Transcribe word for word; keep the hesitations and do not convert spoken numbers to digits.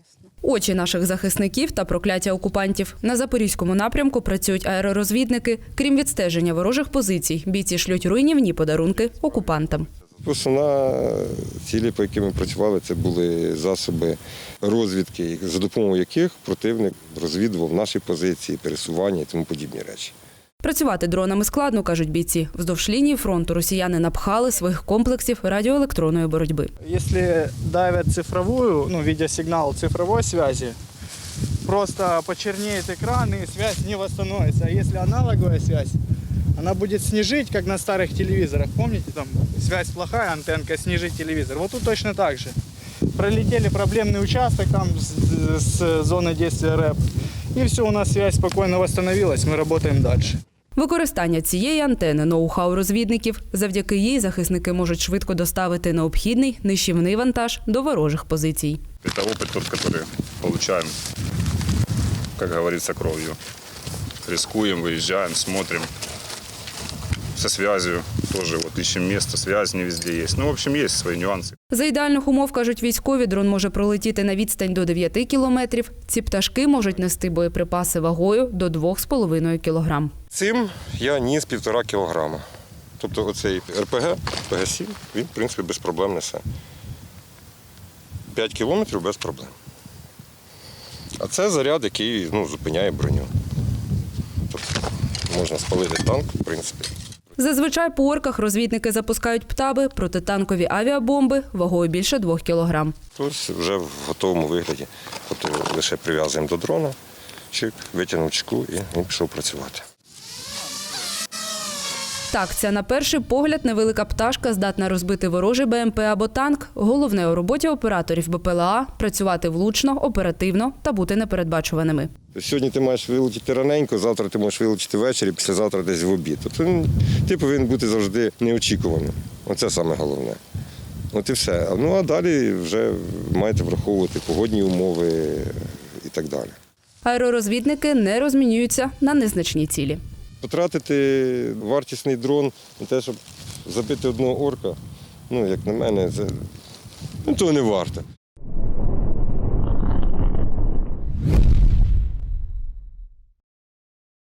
Очі наших захисників та прокляття окупантів. На Запорізькому напрямку працюють аеророзвідники. Крім відстеження ворожих позицій, бійці шлють руйнівні подарунки окупантам. Основна цілі, по яким ми працювали, це були засоби розвідки, за допомогою яких противник розвідував наші позиції, пересування і тому подібні речі. Працювати дронами складно, кажуть бійці. Вздовж лінії фронту росіяни напхали своїх комплексів радіоелектронної боротьби. Если давят цифровую, ну, видеосигнал цифровой связи, просто почернеет экран и связь не восстановится. А если аналоговая связь, она будет снижить, как на старых телевизорах. Помните, там связь плохая, антенка, снижить телевизор. Вот тут точно так же. Пролетели проблемный участок там с, с зоны действия РЭП, и все, у нас связь спокойно восстановилась, мы работаем дальше. Використання цієї антени – ноу-хау розвідників. Завдяки їй захисники можуть швидко доставити необхідний нищівний вантаж до ворожих позицій. Это опыт тот, который получаем, как говорится, кровью. Рискуем, выезжаем, смотрим. Со связью тоже вот ищем место, связь не везде есть. Ну, в общем, есть свои нюансы. За ідеальних умов, кажуть військові, дрон може пролетіти на відстань до дев'яти кілометрів. Ці пташки можуть нести боєприпаси вагою до двох з половиною кілограм. Цим я ніс півтора кілограма. Тобто оцей РПГ, РПГ сім, він, в принципі, без проблем несе. п'ять кілометрів без проблем. А це заряд, який ну, зупиняє броню. Тобто можна спалити танк, в принципі. Зазвичай по орках розвідники запускають птаби, протитанкові авіабомби вагою більше двох кілограм. Ось вже в готовому вигляді. Тобто лише прив'язуємо до дрона, чик, витягнув чеку і він пішов працювати. Так, ця на перший погляд невелика пташка здатна розбити ворожий БМП або танк. Головне у роботі операторів БПЛА – працювати влучно, оперативно та бути непередбачуваними. Сьогодні ти маєш вилетіти раненько, завтра ти можеш вилетіти ввечері, післязавтра десь в обід. Тобто він, ти повинен бути завжди неочікуваним. Оце саме головне. От і все. Ну а далі вже маєте враховувати погодні умови і так далі. Аеророзвідники не розмінюються на незначні цілі. Потратити вартісний дрон на те, щоб забити одного орка, ну, як на мене, це ну, того не варто.